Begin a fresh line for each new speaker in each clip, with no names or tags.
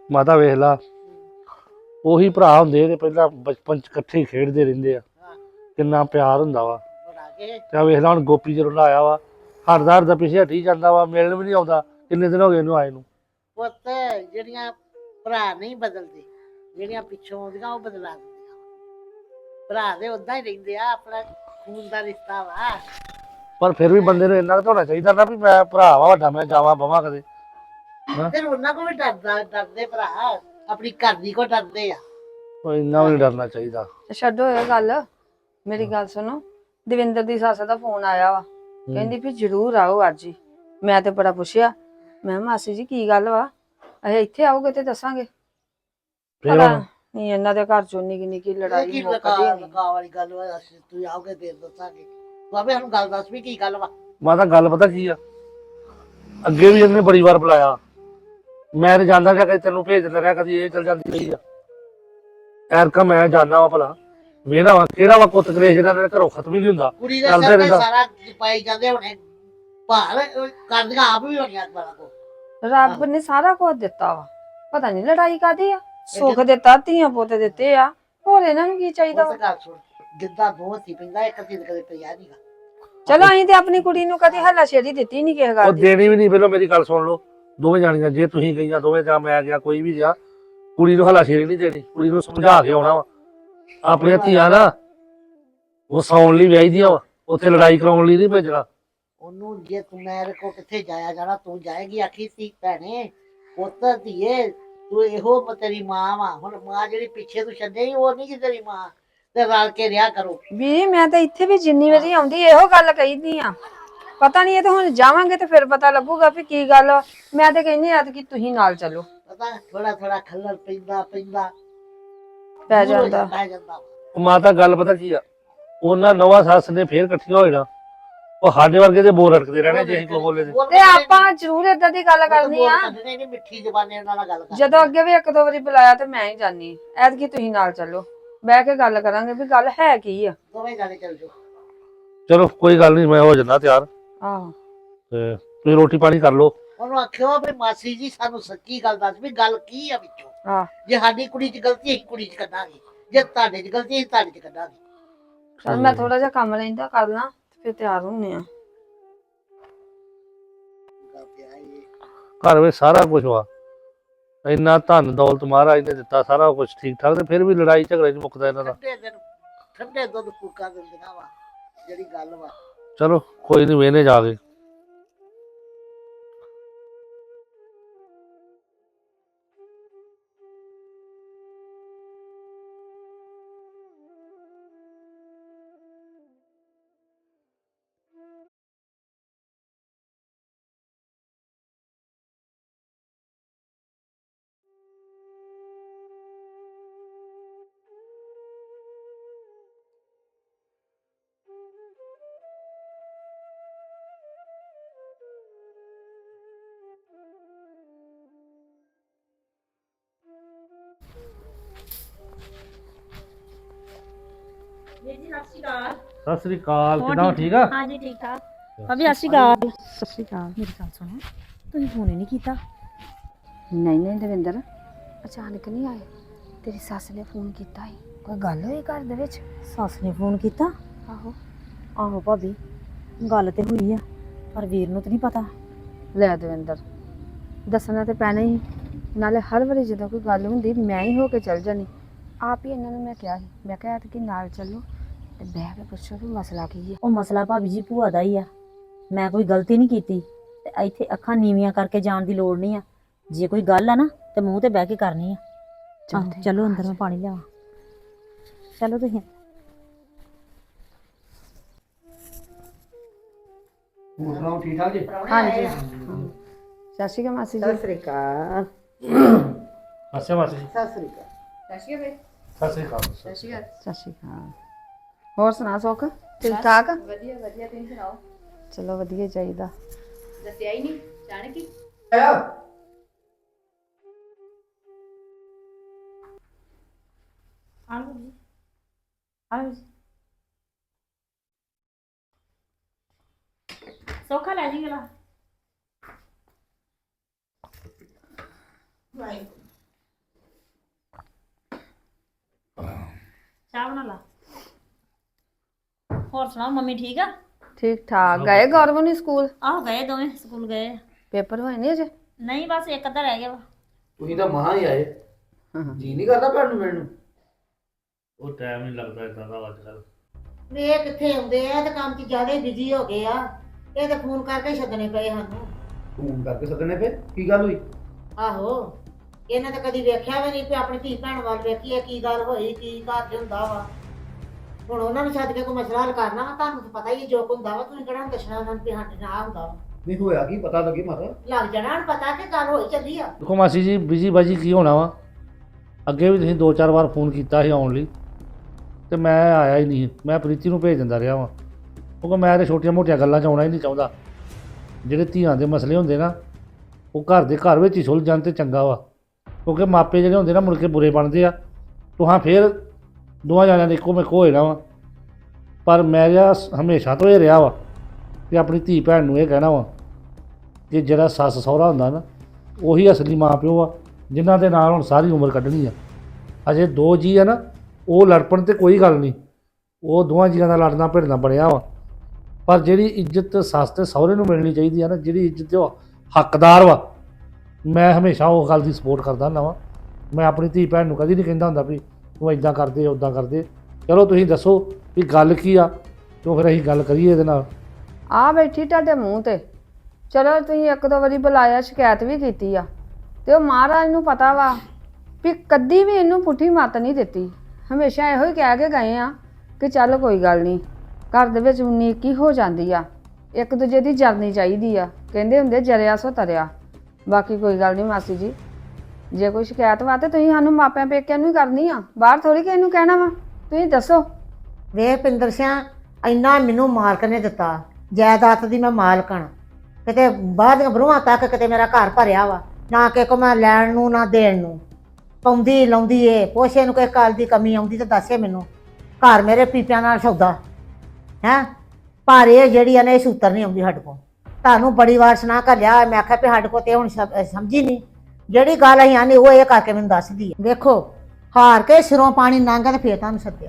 ਮਾਤਾ ਵੇਖ ਲਾ ਉਹੀ ਭਰਾ ਹੁੰਦੇ ਨੇ ਪਹਿਲਾਂ ਬਚਪਨ ਚ ਇਕੱਠੇ ਹੀ ਖੇਡਦੇ ਰਹਿੰਦੇ ਆ ਕਿੰਨਾ ਪਿਆਰ ਹੁੰਦਾ ਵਾ ਤੇ ਵੇਖ ਲਾ ਹੁਣ ਗੋਪੀ ਜਦੋਂ ਦਾ ਆਇਆ ਵਾ ਹਰਦਾ ਪਿੱਛੇ ਹਟੀ ਜਾਂਦਾ ਵਾ ਮਿਲਣ ਵੀ ਨਹੀਂ ਆਉਂਦਾ ਕਿੰਨੇ ਦਿਨ ਹੋ ਗਏ ਇਹਨੂੰ ਆਏ ਨੂੰ
ਪੁੱਤ ਜਿਹੜੀਆਂ ਭਰਾ ਨਹੀਂ ਬਦਲਦੇ ਜਿਹੜੀਆਂ ਪਿੱਛੋਂ ਆਉਂਦੀਆਂ ਉਹ ਬਦਲਾ ਦਿੰਦੀਆਂ ਭਰਾ ਦੇ ਉਦਾਂ ਹੀ ਰਹਿੰਦੇ ਆ ਆਪਣਾ ਖੂਨ ਦਾ ਰਿਸ਼ਤਾ ਵਾ
ਪਰ ਫਿਰ ਵੀ ਬੰਦੇ ਨੂੰ ਇੰਨਾ ਕੁ ਤਾਂ ਹੋਣਾ ਚਾਹੀਦਾ ਨਾ ਵੀ ਮੈਂ ਭਰਾ ਵਾ ਵੱਡਾ ਮੈਂ ਜਾਵਾਂ ਬਵਾਂ ਕਦੇ
ਫਿਰ ਉਹਨਾਂ ਕੋਲ ਵੀ ਡਰਦੇ ਭਰਾ ਆਪਣੀ ਘਰ ਦੀ ਕੋ ਡਰਦੇ ਆ
ਉਹ ਇੰਨਾ ਵੀ ਨਹੀਂ ਡਰਨਾ ਚਾਹੀਦਾ
ਛੱਡੋ ਇਹ ਗੱਲ ਮੇਰੀ ਗੱਲ ਸੁਣੋ ਦਵਿੰਦਰ ਦੀ ਸੱਸ ਦਾ ਫੋਨ ਆਇਆ ਵਾ ਕਹਿੰਦੀ ਵੀ ਜ਼ਰੂਰ ਆਓ ਅੱਜ ਹੀ ਮੈਂ ਤੇ ਬੜਾ ਪੁੱਛਿਆ ਮੈਂ ਮਾਸੀ ਜੀ ਕੀ ਗੱਲ ਵਾ ਅਸੀਂ ਇੱਥੇ ਆਓਗੇ ਤੇ ਦੱਸਾਂਗੇ ਨਹੀਂ ਇਹਨਾਂ ਦੇ ਘਰ ਚੋਂ ਨਿੱਕੀ ਨਿੱਕੀ ਲੜਾਈ ਮੁੱਕਦੀ ਨਹੀਂ
ਵਾਲੀ ਗੱਲ ਵਾ ਤੂੰ ਆਓਗੇ ਤੇ ਦੱਸਾਂਗੇ ਬਾਬੇ ਸਾਨੂੰ ਗੱਲ ਦੱਸ ਵੀ ਕੀ ਗੱਲ ਵਾ
ਮਾਤਾ ਗੱਲ ਪਤਾ ਕੀ ਆ ਅੱਗੇ ਵੀ ਇਹਨੇ ਬੜੀ ਵਾਰ ਬੁਲਾਇਆ ਮੈਂ ਤੇ ਜਾਂਦਾ ਰਿਹਾ ਕਦੇ ਤੈਨੂੰ ਭੇਜ ਦਿੰਦਾ ਰਿਹਾ ਕਦੀ ਇਹ ਚਲ ਜਾਂਦੀ ਰਹੀ ਆ ਐਰਕਾ ਮੈਂ ਜਾਣਾ ਵਾ ਭਲਾ ਵੇਖਦਾ ਵਾ ਕਿਹੜਾ ਵਾ ਕੁੱਤ ਕਲੇਸ਼ ਜਿਹੜਾ ਮੇਰੇ ਘਰੋਂ ਖਤਮ ਹੀ ਨਹੀਂ ਹੁੰਦਾ
ਕੁੜੀ ਦੇ ਸਿਰ ਤੇ ਸਾਰਾ ਪਾਈ ਜਾਂਦੇ ਹੁਣੇ ਭਾਰ ਕਰਦੀਆਂ ਆਪ ਵੀ ਹੋਣੀਆਂ ਬੜਾ ਕੋ
ਰੱਬ ਨੇ ਸਾਰਾ ਕੁਝ ਦਿੱਤਾ ਵਾ ਪਤਾ ਨਹੀਂ ਲੜਾਈ ਕਾਦੀ ਆ ਸੁੱਖ ਦਿੱਤਾ ਧੀਆਂ ਪੁੱਤ ਦਿੱਤੇ ਆ ਹੋਰ ਇਹਨਾਂ ਨੂੰ ਕੀ ਚਾਹੀਦਾ ਵਾ
ਗੱਲ ਸੁਣ ਗਿੱਧਾ ਬਹੁਤ ਹੀ ਪੈਂਦਾ ਇੱਕ ਚੀਜ਼ ਕਦੇ ਪਿਆ ਨਹੀਂਗਾ
ਚਲੋ ਅਸੀਂ ਤੇ ਆਪਣੀ ਕੁੜੀ ਨੂੰ ਕਦੇ ਹੱਲਾਸ਼ੇਰੀ ਦਿੱਤੀ ਨਹੀਂ ਕਿਸੇ ਗੱਲ
ਉਹ
ਦੀ
ਦੇਣੀ ਵੀ ਨਹੀਂ ਪਹਿਲਾਂ ਮੇਰੀ ਗੱਲ ਸੁਣ ਲਓ ਦੋਵੇਂ ਜਾਣੀਆਂ ਜੇ ਤੁਸੀਂ ਗਈਆਂ ਦੋਵੇਂ ਜਾਂ ਮੈਂ ਗਿਆ ਕੋਈ ਵੀ ਗਿਆ ਕੁੜੀ ਨੂੰ ਹੱਲਾਸ਼ੇਰੀ ਨਹੀਂ ਦੇਣੀ ਕੁੜੀ ਨੂੰ ਸਮਝਾ ਕੇ ਆਉਣਾ ਵਾ ਆਪਣੀਆਂ ਧੀਆਂ ਨਾ ਉਹ ਸੌਣ ਲਈ ਵਿਆਹੀ ਦੀਆਂ ਵਾ ਉੱਥੇ ਲੜਾਈ ਕਰਾਉਣ ਲਈ ਨਹੀਂ ਭੇਜਣਾ
ਉਹਨੂੰ ਜੇ ਤੂੰ ਮੇਰੇ ਕੋ ਕਿੱਥੇ ਜਾਇਆ ਜਾਣਾ ਤੂੰ ਜਾਏਗੀ ਆਖੀ ਸੀ ਭੈਣੇ ਪੁੱਤ ਧੀਏ ਤੂੰ ਇਹੋ ਤੇਰੀ ਮਾਂ ਵਾ ਹੁਣ ਮਾਂ ਜਿਹੜੀ ਪਿੱਛੇ ਤੂੰ ਛੱਡੇ ਉਹ ਨਹੀਂ ਕਿ ਤੇਰੀ ਮਾਂ ਤੇ ਰਲ ਕੇ ਰਿਹਾ ਕਰੋ
ਵੀ ਮੈਂ ਤਾਂ ਇੱਥੇ ਵੀ ਜਿੰਨੀ ਵਾਰੀ ਆਉਂਦੀ ਇਹੋ ਗੱਲ ਕਹੀਦੀ ਆ ਪਤਾ ਨਹੀਂ ਇਹ ਤਾਂ ਹੁਣ ਜਾਵਾਂਗੇ ਤੇ ਫਿਰ ਪਤਾ ਲੱਗੂਗਾ ਵੀ ਕੀ ਗੱਲ ਮੈਂ ਤਾਂ ਕਹਿੰਦੀ ਆ ਕਿ ਤੁਸੀਂ ਨਾਲ ਚੱਲੋ
ਪਤਾ ਥੋੜਾ ਥੋੜਾ ਖੱਲਰ ਪੈਂਦਾ
ਪੈ ਜਾਂਦਾ
ਮਾਤਾ ਗੱਲ ਪਤਾ ਕੀ ਆ ਉਹਨਾਂ ਨਵਾਂ ਸੱਸ ਨੇ ਫੇਰ ਇਕੱਠੀਆਂ ਹੋ ਜਾਣਾ ਉਹ ਸਾਡੇ ਵਰਗੇ ਦੇ ਬੋਲ ਅਟਕਦੇ ਰਹਿਣੇ ਜੇ ਅਸੀਂ ਕੋ ਬੋਲੇ
ਤੇ ਆਪਾਂ ਜ਼ਰੂਰ ਏਦਾਂ ਦੀ ਗੱਲ ਕਰਨੀ ਆ
ਮਿੱਠੀ ਜ਼ਬਾਨੀ ਉਹਨਾਂ ਨਾਲ ਗੱਲ
ਜਦੋਂ ਅੱਗੇ ਵੀ ਇੱਕ ਦੋ ਵਾਰੀ ਬੁਲਾਇਆ ਤੇ ਮੈਂ ਹੀ ਜਾਨੀ ਐਤਕੀ ਤੁਸੀਂ ਨਾਲ ਚੱਲੋ ਬਹਿ ਕੇ ਗੱਲ ਕਰਾਂਗੇ ਵੀ ਗੱਲ ਹੈ ਕੀ ਆ
ਦੋਵੇਂ ਜਾਣੇ ਚੱਲ ਜਾਓ
ਚਲੋ ਕੋਈ ਗੱਲ ਨਹੀਂ ਮੈਂ ਹੋ ਜਾਂਦਾ ਤਿਆਰ
ਆਹੋ
ਤੇ ਤੁਸੀਂ ਰੋਟੀ ਪਾਣੀ ਕਰ ਲਓ
ਉਹਨੂੰ ਆਖਿਓ ਵੀ ਮਾਸੀ ਜੀ ਸਾਨੂੰ ਸੱਚੀ ਗੱਲ ਦੱਸ ਵੀ ਗੱਲ ਕੀ ਆ ਵਿੱਚੋਂ
ਆਹ
ਜੇ ਸਾਡੀ ਕੁੜੀ 'ਚ ਗਲਤੀ ਅਸੀਂ ਕੁੜੀ 'ਚ ਕੱਢਾਂਗੇ ਜੇ ਤੁਹਾਡੇ 'ਚ ਗਲਤੀ ਅਸੀਂ ਤੁਹਾਡੇ 'ਚ ਕੱਢਾਂਗੇ
ਚਲ ਮੈਂ ਥੋੜਾ ਜਿਹਾ ਕੰਮ ਲੈਂਦਾ ਕਰ ਲਾਂ ਫਿਰ ਤਿਆਰ ਹੁੰਨੇ ਆ
ਘਰ ਵਿੱਚ ਸਾਰਾ ਕੁਝ ਵਾ ਇੰਨਾ ਧਨ ਦੌਲਤ ਮਹਾਰਾਜ ਨੇ ਦਿੱਤਾ ਸਾਰਾ ਕੁਝ ਠੀਕ ਠਾਕ ਤੇ ਫਿਰ ਵੀ ਲੜਾਈ ਝਗੜੇ ਨਹੀਂ ਮੁੱਕਦਾ ਇਹਨਾਂ ਦਾ
ਠੰਡੇ ਦੁੱਧ ਫੂਕਾ ਦਿੰਦੀਆਂ ਵਾ ਜਿਹੜੀ ਗੱਲ ਵਾ
ਚਲੋ ਕੋਈ ਨਹੀਂ ਵੇਨੇ ਜਾ ਕੇ ਸਤਿ ਸ੍ਰੀ ਅਕਾਲ ਕਿਦਾਂ ਠੀਕ ਆ
ਹਾਂਜੀ ਠੀਕ ਠਾਕ ਭਾਬੀ ਸਤਿ ਸ਼੍ਰੀ ਅਕਾਲ ਸਤਿ ਸ਼੍ਰੀ ਅਕਾਲ ਮੇਰੀ ਗੱਲ ਸੁਣੋ ਤੁਸੀਂ ਫੋਨ ਹੀ ਨਹੀਂ ਕੀਤਾ
ਨਹੀਂ ਦਵਿੰਦਰ ਅਚਾਨਕ ਨਹੀਂ ਆਏ ਤੇਰੀ ਸੱਸ ਨੇ ਫੋਨ ਕੀਤਾ ਸੀ ਕੋਈ ਗੱਲ ਹੋਈ ਘਰ ਦੇ ਵਿੱਚ
ਸੱਸ ਨੇ ਫੋਨ ਕੀਤਾ
ਆਹੋ
ਆਹੋ ਭਾਬੀ ਗੱਲ ਤੇ ਹੋਈ ਆ ਪਰ ਵੀਰ ਨੂੰ ਤਾਂ ਨਹੀਂ ਪਤਾ
ਲੈ ਦਵਿੰਦਰ ਦੱਸਣਾ ਤੇ ਪੈਣਾ ਹੀ ਨਾਲੇ ਹਰ ਵਾਰੀ ਜਦੋਂ ਕੋਈ ਗੱਲ ਹੁੰਦੀ ਮੈਂ ਹੀ ਹੋ ਕੇ ਚੱਲ ਜਾਣੀ ਆਪ ਹੀ ਇਹਨਾਂ ਨੂੰ ਮੈਂ ਕਿਹਾ ਸੀ ਮੈਂ ਕਿਹਾ ਕਿ ਨਾਲ ਚੱਲੋ ਤੇ ਬਹਿ ਕੇ ਪੁੱਛੋ ਵੀ ਮਸਲਾ ਕੀ ਹੈ
ਉਹ ਮਸਲਾ ਭਾਬੀ ਜੀ ਭੂਆ ਦਾ ਹੀ ਆ ਮੈਂ ਕੋਈ ਗਲਤੀ ਨਹੀਂ ਕੀਤੀ ਤੇ ਇੱਥੇ ਅੱਖਾਂ ਨੀਵੀਆਂ ਕਰਕੇ ਜਾਣ ਦੀ ਲੋੜ ਨਹੀਂ ਆ ਜੇ ਕੋਈ ਗੱਲ ਆ ਨਾ ਤੇ ਮੂੰਹ ਤੇ ਬਹਿ ਕੇ ਕਰਨੀ ਆ ਚਲੋ ਅੰਦਰ ਮੈਂ ਪਾਣੀ ਲਿਆਵਾਂ ਚਲੋ ਤੁਸੀਂ
ਹੋਰ ਠੀਕ ਠਾਕ ਜੀ
ਹਾਂਜੀ ਸਤਿ ਸ਼੍ਰੀ ਅਕਾਲ ਮਾਸੀ ਜੀ
ਸਤਿ ਸ੍ਰੀ ਅਕਾਲ
ਅੱਛਾ ਮਾਸੀ ਜੀ
ਸਤਿ ਸ੍ਰੀ ਅਕਾਲ
ਸਤਿ ਸ੍ਰੀ ਅਕਾਲ
ਸਤਿ ਸ਼੍ਰੀ ਅਕਾਲ ਹੋਰ ਸੁਣਾ ਸੁੱਖ ਠੀਕ ਠਾਕ
ਵਧੀਆ ਵਧੀਆ ਤੁਸੀਂ ਸੁਣਾਓ
ਚਲੋ ਵਧੀਆ ਚਾਹੀਦਾ
ਦੱਸਿਆ ਹੀ ਨਹੀਂ ਜਾਣ ਕੀ
ਆਲੂ ਜੀ ਆਲੂ ਜੀ ਸੋਖਾ ਲੈ ਜੀ ਗਲਾ ਬਣਾ ਲਾ। ਹੋਰ ਸੁਣਾਓ ਮੰਮੀ ਠੀਕ ਆ?
ਠੀਕ ਠਾਕ। ਗਏ ਗੌਰਵ ਨਹੀਂ ਸਕੂਲ?
ਆਹ ਗਏ ਦੋਵੇਂ ਸਕੂਲ ਗਏ ਆ।
ਪੇਪਰ ਹੋਏ ਨਹੀਂ ਅਜੇ?
ਨਹੀਂ ਬਸ ਇੱਕ ਅੱਧਾ ਰਹਿ ਗਿਆ ਵਾ।
ਤੁਸੀਂ ਤਾਂ ਮਹਾਂ ਹੀ ਆਏ, ਜੀ ਨਹੀਂ ਕਰਦਾ ਭੈਣ ਨੂੰ ਮਿਲਣ ਨੂੰ।
ਉਹ ਟਾਈਮ ਨਹੀਂ ਲੱਗਦਾ ਇਦਾਂ ਦਾ ਅੱਜ ਕੱਲ।
ਵੇ ਕਿੱਥੇ ਆਉਂਦੇ ਆ ਤੇ ਕੰਮ 'ਚ ਜ਼ਿਆਦਾ ਬਿਜ਼ੀ ਹੋ ਗਏ ਆ। ਇਹ ਤਾਂ ਫੋਨ ਕਰਕੇ ਛੱਡਣੇ ਪਏ ਸਾਨੂੰ।
ਫੋਨ ਕਰਕੇ ਸੱਦਣੇ ਪਏ, ਕੀ ਗੱਲ ਹੋਈ?
ਆਹੋ, ਇਹਨਾਂ ਤਾਂ ਕਦੀ ਵੇਖਿਆ ਵੀ ਨਹੀਂ ਵੀ ਆਪਣੀ ਧੀ ਭੈਣ ਵੱਲ ਵੇਖੀਏ ਕੀ ਗੱਲ ਹੋਈ, ਕੀ ਘਰ 'ਚ ਹੁੰਦਾ ਵਾ। ਹੁਣ ਉਹਨਾਂ ਨੂੰ ਛੱਡ ਕੇ ਕੋਈ ਮਸਲਾ ਹੱਲ ਕਰਨਾ ਵਾ। ਤੁਹਾਨੂੰ ਤਾਂ ਪਤਾ ਹੀ ਜੋ ਕੁ ਹੁੰਦਾ ਵਾ, ਤੁਸੀਂ ਕਿਹੜਾ ਦੱਸਣਾ ਉਹਨਾਂ ਨੂੰ ਵੀ ਸਾਡੇ ਨਾਲ ਆਹ ਹੁੰਦਾ ਵਾ।
ਨਹੀਂ ਹੋਇਆ ਕੀ, ਪਤਾ ਲੱਗੇ ਮਾਤਾ।
ਲੱਗ ਜਾਣਾ ਹੁਣ ਪਤਾ ਕਿ ਗੱਲ ਹੋਈ ਚੱਲੀ ਆ।
ਦੇਖੋ ਮਾਸੀ ਜੀ, ਬਿਜੀ ਬਾਜੀ ਕੀ ਹੋਣਾ ਵਾ। ਅੱਗੇ ਵੀ ਤੁਸੀਂ 2-4 ਵਾਰ ਫੋਨ ਕੀਤਾ ਸੀ ਆਉਣ ਲਈ ਤੇ ਮੈਂ ਆਇਆ ਹੀ ਨਹੀਂ। ਮੈਂ ਪ੍ਰੀਤੀ ਨੂੰ ਭੇਜ ਦਿੰਦਾ ਰਿਹਾ ਵਾਂ, ਕਿਉਂਕਿ ਮੈਂ ਤਾਂ ਛੋਟੀਆਂ ਮੋਟੀਆਂ ਗੱਲਾਂ 'ਚ ਆਉਣਾ ਹੀ ਨਹੀਂ ਚਾਹੁੰਦਾ। ਜਿਹੜੇ ਧੀਆਂ ਦੇ ਮਸਲੇ ਹੁੰਦੇ ਨਾ, ਉਹ ਘਰ ਦੇ ਘਰ ਵਿੱਚ ਹੀ ਸੁਲਝ ਜਾਣ ਤੇ ਚੰਗਾ ਵਾ। ਕਿਉਂਕਿ ਮਾਪੇ ਜਿਹੜੇ ਹੁੰਦੇ ਨਾ ਮੁੜ ਕੇ ਬੁਰੇ ਬਣਦੇ ਆ। ਤੁਹਾਂ ਫਿਰ ਦੋਵਾਂ ਜਾਣਿਆਂ ਨੇ ਇੱਕੋ ਮੇਕੋ ਹੋ ਜਾਣਾ ਵਾ। ਪਰ ਮੈਂ ਜਿਹੜਾ ਹਮੇਸ਼ਾ ਤੋਂ ਇਹ ਰਿਹਾ ਵਾ ਕਿ ਆਪਣੀ ਧੀ ਭੈਣ ਨੂੰ ਇਹ ਕਹਿਣਾ ਵਾ ਕਿ ਜਿਹੜਾ ਸੱਸ ਸਹੁਰਾ ਹੁੰਦਾ ਨਾ, ਉਹੀ ਅਸਲੀ ਮਾਂ ਪਿਓ ਆ, ਜਿਨ੍ਹਾਂ ਦੇ ਨਾਲ ਹੁਣ ਸਾਰੀ ਉਮਰ ਕੱਢਣੀ ਆ। ਅਜੇ 2 ਜੀ ਆ ਨਾ, ਉਹ ਲੜਪਣ ਤੇ ਕੋਈ ਗੱਲ ਨਹੀਂ, ਉਹ ਦੋਵਾਂ ਜੀਆਂ ਦਾ ਲੜਨਾ ਭਿੜਨਾ ਬਣਿਆ ਵਾ। ਪਰ ਜਿਹੜੀ ਇੱਜ਼ਤ ਸੱਸ ਤੇ ਸਹੁਰੇ ਨੂੰ ਮਿਲਣੀ ਚਾਹੀਦੀ ਆ ਨਾ, ਜਿਹੜੀ ਇੱਜ਼ਤ ਦੇ ਉਹ ਹੱਕਦਾਰ ਵਾ, ਮੈਂ ਹਮੇਸ਼ਾ ਉਹ ਗੱਲ ਦੀ ਸਪੋਰਟ ਕਰਦਾ ਹੁੰਦਾ ਵਾਂ। ਮੈਂ ਆਪਣੀ ਧੀ ਭੈਣ ਨੂੰ ਕਦੀ ਨਹੀਂ ਕਹਿੰਦਾ ਹੁੰਦਾ ਵੀ ਤੂੰ ਇੱਦਾਂ ਕਰਦੇ ਉੱਦਾਂ ਕਰਦੇ। ਚਲੋ ਤੁਸੀਂ ਦੱਸੋ ਵੀ ਗੱਲ ਕੀ ਆ, ਕਿਉਂ ਫਿਰ ਅਸੀਂ ਗੱਲ ਕਰੀਏ ਇਹਦੇ ਨਾਲ।
ਆ ਬੈਠੀ ਤੁਹਾਡੇ ਮੂੰਹ ਤੇ। ਚਲੋ ਤੁਸੀਂ 1-2 ਵਾਰੀ ਬੁਲਾਇਆ, ਸ਼ਿਕਾਇਤ ਵੀ ਕੀਤੀ ਆ, ਤੇ ਉਹ ਮਹਾਰਾਜ ਨੂੰ ਪਤਾ ਵਾ ਵੀ ਕਦੀ ਵੀ ਇਹਨੂੰ ਪੁੱਠੀ ਮੱਤ ਨਹੀਂ ਦਿੱਤੀ। ਹਮੇਸ਼ਾ ਇਹੋ ਹੀ ਕਹਿ ਕੇ ਗਏ ਆ ਕਿ ਚੱਲ ਕੋਈ ਗੱਲ ਨਹੀਂ, ਘਰ ਦੇ ਵਿੱਚ ਉਨੀਕੀ ਹੋ ਜਾਂਦੀ ਆ, ਇੱਕ ਦੂਜੇ ਦੀ ਜਰਨੀ ਚਾਹੀਦੀ ਆ। ਕਹਿੰਦੇ ਹੁੰਦੇ ਜਰਿਆ ਸੋ ਤਰਿਆ। ਬਾਕੀ ਕੋਈ ਗੱਲ ਨਹੀਂ ਮਾਸੀ ਜੀ, ਜੇ ਕੋਈ ਸ਼ਿਕਾਇਤ ਵਾ ਤੇ ਤੁਸੀਂ ਸਾਨੂੰ ਮਾਪਿਆਂ ਪੇਕਿਆਂ ਨੂੰ ਹੀ ਕਰਨੀ ਆ, ਬਾਹਰ ਥੋੜੀ ਕਿਸੇ ਨੂੰ ਕਹਿਣਾ ਵਾ। ਤੁਸੀਂ ਦੱਸੋ।
ਵੇ ਪਿੰਦਰ ਸਿਆ, ਇੰਨਾ ਮੈਨੂੰ ਮਾਲਕ ਨੇ ਦਿੱਤਾ, ਜਾਇਦਾਦ ਦੀ ਮੈਂ ਮਾਲਕਣ। ਕਿਤੇ ਬਾਹਰ ਦੀਆਂ ਬਰੂਹਾਂ ਤੱਕ ਕਿਤੇ ਮੇਰਾ ਘਰ ਭਰਿਆ ਵਾ, ਨਾ ਕਿ ਕੋ ਮੈਂ ਲੈਣ ਨੂੰ ਨਾ ਦੇਣ ਨੂੰ। ਪਾਉਂਦੀ ਲਾਉਂਦੀ ਏ, ਪੋਸ਼ੇ ਨੂੰ ਕੋਈ ਕਾਲ ਦੀ ਕਮੀ ਆਉਂਦੀ ਤਾਂ ਦੱਸੇ ਮੈਨੂੰ। ਘਰ ਮੇਰੇ ਪੀਪਿਆਂ ਨਾਲ ਸੌਦਾ ਹੈ, ਪਰ ਇਹ ਜਿਹੜੀ ਆ ਨਾ, ਇਹ ਸੂਤਰ ਨਹੀਂ ਆਉਂਦੀ ਸਾਡੇ ਕੋਲ। ਤੁਹਾਨੂੰ ਬੜੀ ਵਾਰ ਸੁਣਾ ਕਰ ਲਿਆ, ਮੈਂ ਆਖਿਆ ਵੀ ਸਾਡੇ ਕੋਲ ਤੇ ਹੁਣ ਸਮਝੀ ਨਹੀਂ। ਜਿਹੜੀ ਗੱਲ ਅਸੀਂ ਆਨੀ ਉਹ ਇਹ ਕਰਕੇ ਮੈਨੂੰ ਦੱਸਦੀ ਹੈ। ਵੇਖੋ, ਹਾਰ ਕੇ ਸਿਰੋਂ ਪਾਣੀ ਲੰਘਾ ਤੇ ਫੇਰ ਤੁਹਾਨੂੰ ਸੱਦਿਆ।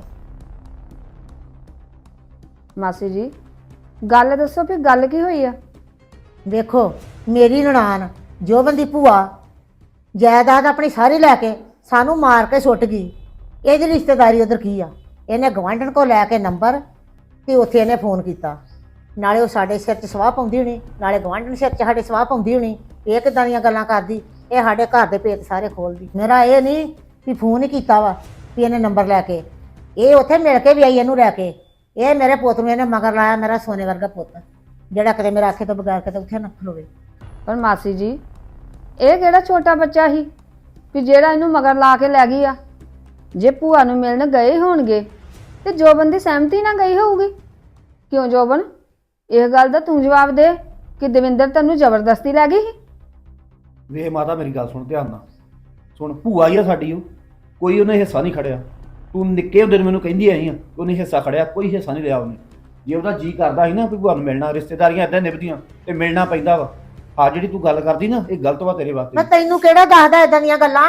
ਮਾਸੀ ਜੀ ਗੱਲ ਦੱਸੋ ਵੀ ਗੱਲ ਕੀ ਹੋਈ ਆ?
ਵੇਖੋ, ਮੇਰੀ ਨਨਾਣ ਜੋਬਨ ਦੀ ਭੂਆ ਜਾਇਦਾਦ ਆਪਣੀ ਸਾਰੀ ਲੈ ਕੇ ਸਾਨੂੰ ਮਾਰ ਕੇ ਸੁੱਟ ਗਈ। ਇਹਦੀ ਰਿਸ਼ਤੇਦਾਰੀ ਉਧਰ ਕੀ ਆ? ਇਹਨੇ ਗਵਾਂਢਣ ਕੋ ਲੈ ਕੇ ਨੰਬਰ ਤੇ ਉੱਥੇ ਇਹਨੇ ਫੋਨ ਕੀਤਾ। ਨਾਲੇ ਉਹ ਸਾਡੇ ਸਿਰ 'ਚ ਸਵਾਹ ਪਾਉਂਦੀ ਹੋਣੀ, ਨਾਲੇ ਗਵਾਂਢਣ ਸਿਰ 'ਚ ਸਾਡੇ ਸਵਾਹ ਪਾਉਂਦੀ ਹੋਣੀ। ਇਹ ਕਿੱਦਾਂ ਦੀਆਂ ਗੱਲਾਂ ਕਰਦੀ? ਇਹ ਸਾਡੇ ਘਰ ਦੇ ਭੇਤ ਸਾਰੇ ਖੋਲਦੀ। ਮੇਰਾ ਇਹ ਨਹੀਂ ਵੀ ਫੋਨ ਹੀ ਕੀਤਾ ਵਾ ਵੀ ਇਹਨੇ ਨੰਬਰ ਲੈ ਕੇ। ਇਹ ਉੱਥੇ ਮਿਲ ਕੇ ਵੀ ਆਈ ਇਹਨੂੰ ਲੈ ਕੇ। ਇਹ ਮੇਰੇ ਪੁੱਤ ਨੂੰ ਇਹਨੇ ਮਗਰ ਲਾਇਆ, ਮੇਰਾ ਸੋਨੇ ਵਰਗਾ ਪੁੱਤ, ਜਿਹੜਾ ਕਦੇ ਮੇਰੇ ਆਖੇ ਤੋਂ ਬਗੈਰ ਕਿਤੇ ਉੱਥੇ ਨਾ ਖਲੋਵੇ।
ਪਰ ਮਾਸੀ ਜੀ, ਇਹ ਕਿਹੜਾ ਛੋਟਾ ਬੱਚਾ ਸੀ ਵੀ ਜਿਹੜਾ ਇਹਨੂੰ ਮਗਰ ਲਾ ਕੇ ਲੈ ਗਈ ਆ? ਜੇ ਭੂਆ ਨੂੰ ਮਿਲਣ ਗਏ ਹੋਣਗੇ ਤੇ ਜੋਬਨ ਦੀ ਸਹਿਮਤੀ ਨਾਲ ਗਈ ਹੋਊਗੀ। ਕਿਉਂ ਜੋਬਨ, ਇਹ ਗੱਲ ਦਾ ਤੂੰ ਜਵਾਬ ਦੇ ਕਿ ਦਵਿੰਦਰ ਤੈਨੂੰ ਜ਼ਬਰਦਸਤੀ ਲੈ ਗਈ ਸੀ?
ਵੇਖ ਮਾਤਾ, ਮੇਰੀ ਗੱਲ ਸੁਣ ਧਿਆਨ ਨਾਲ। ਸੁਣ, ਭੂਆ ਹੀ ਆ ਸਾਡੀ, ਉਹ ਕੋਈ ਉਹਨੇ ਹਿੱਸਾ ਨਹੀਂ ਖੜਿਆ। ਤੂੰ ਨਿੱਕੇ ਹੁੰਦੇ ਨੂੰ ਮੈਨੂੰ ਕਹਿੰਦੀ ਆਈ ਆ ਉਹਨੇ ਹਿੱਸਾ ਖੜਿਆ, ਕੋਈ ਹਿੱਸਾ ਨਹੀਂ ਲਿਆ ਉਹਨੇ। ਜੇ ਉਹਦਾ ਜੀ ਕਰਦਾ ਸੀ ਨਾ ਵੀ ਭੂਆ ਨੂੰ ਮਿਲਣਾ, ਰਿਸ਼ਤੇਦਾਰੀਆਂ ਏਦਾਂ ਨਿਭਦੀਆਂ ਤੇ ਮਿਲਣਾ ਪੈਂਦਾ ਵਾ। ਆ ਜਿਹੜੀ ਤੂੰ ਗੱਲ ਕਰਦੀ ਨਾ, ਇਹ ਗਲਤ ਵਾ ਤੇਰੇ
ਮੈਂ
ਵਾਸਤੇ।
ਤੈਨੂੰ ਕਿਹੜਾ ਦੱਸਦਾ ਏਦਾਂ ਦੀਆਂ ਗੱਲਾਂ?